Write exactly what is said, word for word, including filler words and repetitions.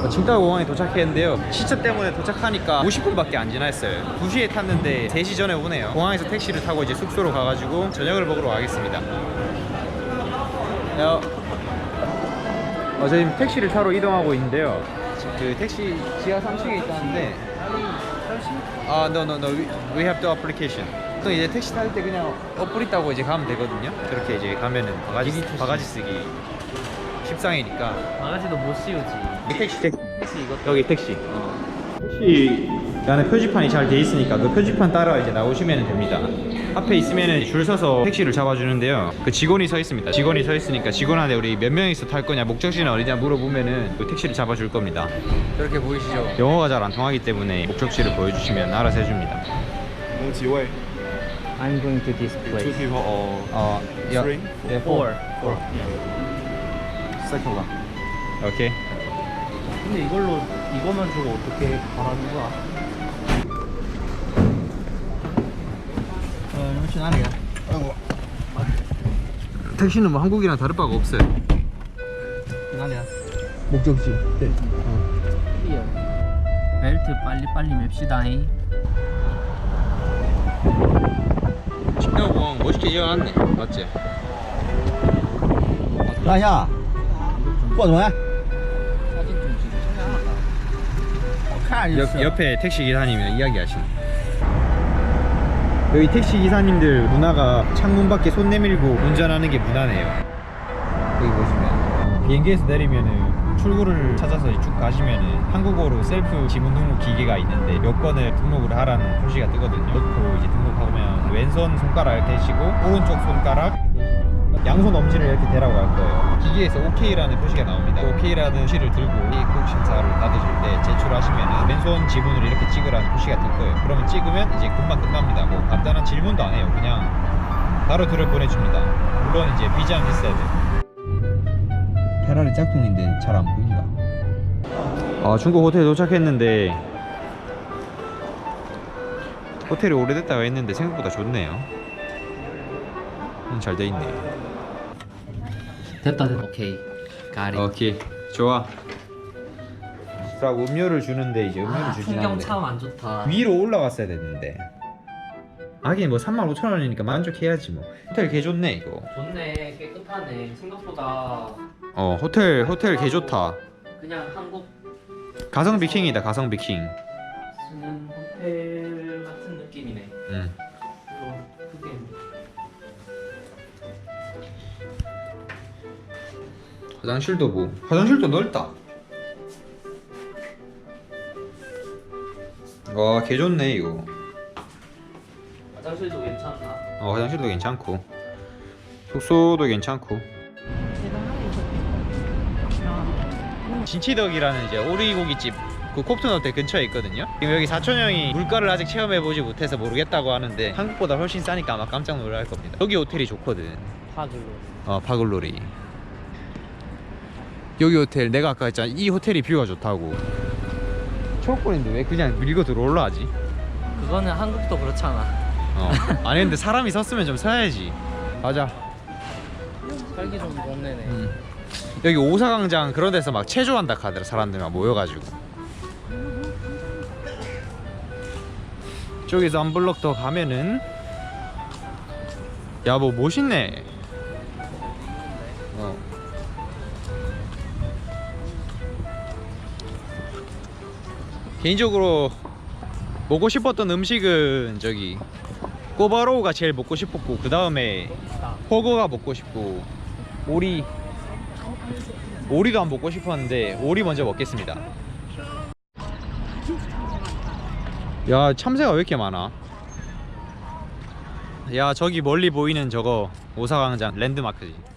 칭다오 공항에 도착했는데요. 시차 때문에 도착하니까 오십 분밖에 안 지났어요. 두 시에 탔는데 세 시 전에 오네요. 공항에서 택시를 타고 이제 숙소로 가가지고 저녁을 먹으러 가겠습니다. 야. 어, 저 지금 택시를 타러 이동하고 있는데요. 그 택시 지하 삼 층에 있다는데 아, no, no, no, we, we have the application. 또 이제 택시 탈 때 그냥 어플 있다고 이제 가면 되거든요. 그렇게 이제 가면은 바가지, 바가지 쓰기 십상이니까. 바가지도 못 씌우지. 택시, 택시. 택시 이것도. 여기 택시. 어. 택시 안에 표지판이 잘 돼 있으니까 그 표지판 따라 이제 나오시면 됩니다. 앞에 있으면 줄 서서 택시를 잡아주는데요. 그 직원이 서 있습니다. 직원이 서 있으니까 직원한테 우리 몇 명이서 탈 거냐, 목적지는 어디냐 물어보면은 그 택시를 잡아줄 겁니다. 저렇게 보이시죠? 영어가 잘 안 통하기 때문에 목적지를 보여주시면 알아서 해줍니다. 뭐几位? I'm going to this Two place. people or 어, 야, three? 예, Four. Four. Second one. 오케이. 근데 이걸로 이거만 주고 어떻게 가라는 거야? 어,你们去哪里啊? 택시는 뭐 한국이랑 다를 바가 없어요. 哪里啊? 목적지. 네. 벨트 빨리 빨리 맵시다잉. 칭다오 공항 멋있게 지어놨네. 맞지? 大侠，过什么？ 사진 좀 찍어. 我看着就 옆, 是。 옆에 택시 기사님이랑 이야기하시네. 여기 택시 기사님들 문화가 창문 밖에 손 내밀고 운전하는 게 문화네요. 여기 보시면 비행기에서 내리면은 출구를 찾아서 쭉 가시면은 한국어로 셀프 지문 등록 기계가 있는데 여권을 등록을 하라는 표시가 뜨거든요. 넣고 이제 등록하면 왼손 손가락 대시고 오른쪽 손가락 양손 엄지를 이렇게 대라고 할 거예요. 기계에서 오케이라는 표시가 나옵니다. 오케이라는 표시를 들고 입국 심사를 받으실 때 제출하시면 왼손 지문을 이렇게 찍으라는 표시가 뜰 거예요. 그러면 찍으면 이제 금방 끝납니다. 뭐 간단한 질문도 안 해요. 그냥 바로 들어 보내줍니다. 물론 이제 비자는 있어야 돼요. 페라리 짝퉁인데 잘 안 보인다. 아, 중국 호텔 도착했는데 호텔이 오래됐다고 했는데 생각보다 좋네요. 음, 잘 돼 있네. 됐다 됐다. 오케이. 가리. 오케이, 좋아. 자, 음료를 주는데 이제 음료를 아, 주진 풍경 않는데 참 안 좋다. 위로 올라갔어야 됐는데. 하긴 뭐 삼만 오천 원이니까 만족해야지 뭐. 호텔 개 좋네 이거. 좋네. 깨끗하네. 생각보다 어, 호텔 호텔 개 좋다. 그냥 한국 가성비 킹이다, 가성비 킹. 쓰는 호텔 같은 느낌이네. 응. 어, 그게 화장실도 뭐 화장실도 넓다. 와, 개 좋네 이거. 화장실도 괜찮나? 어, 화장실도 괜찮고 숙소도 괜찮고. 진치덕이라는 이제 오리고기집 그 콥튼 호텔 근처에 있거든요. 지금 여기 사촌형이 물가를 아직 체험해보지 못해서 모르겠다고 하는데 한국보다 훨씬 싸니까 아마 깜짝 놀랄 겁니다. 여기 호텔이 좋거든. 파글로. 어, 파글로리. 여기 호텔 내가 아까 했잖아, 이 호텔이 뷰가 좋다고. 초록권인데 왜 그냥 밀고 들어올라 하지? 그거는 한국도 그렇잖아. 어. 아니 근데 사람이 섰으면 좀 서야지. 가자. 살기 좀 좋네네. 음. 여기 오사광장 그런 데서 막 체조한다 카더라. 사람들 막 모여가지고. 저기서 한 블럭 더 가면은 야, 뭐 멋있네. 어. 개인적으로 먹고 싶었던 음식은 저기 꼬바로우가 제일 먹고 싶었고, 그 다음에 호거가 먹고 싶고, 오리 오리도 안 먹고 싶었는데 오리 먼저 먹겠습니다. 야, 참새가 왜 이렇게 많아? 야, 저기 멀리 보이는 저거 오사광장 랜드마크지.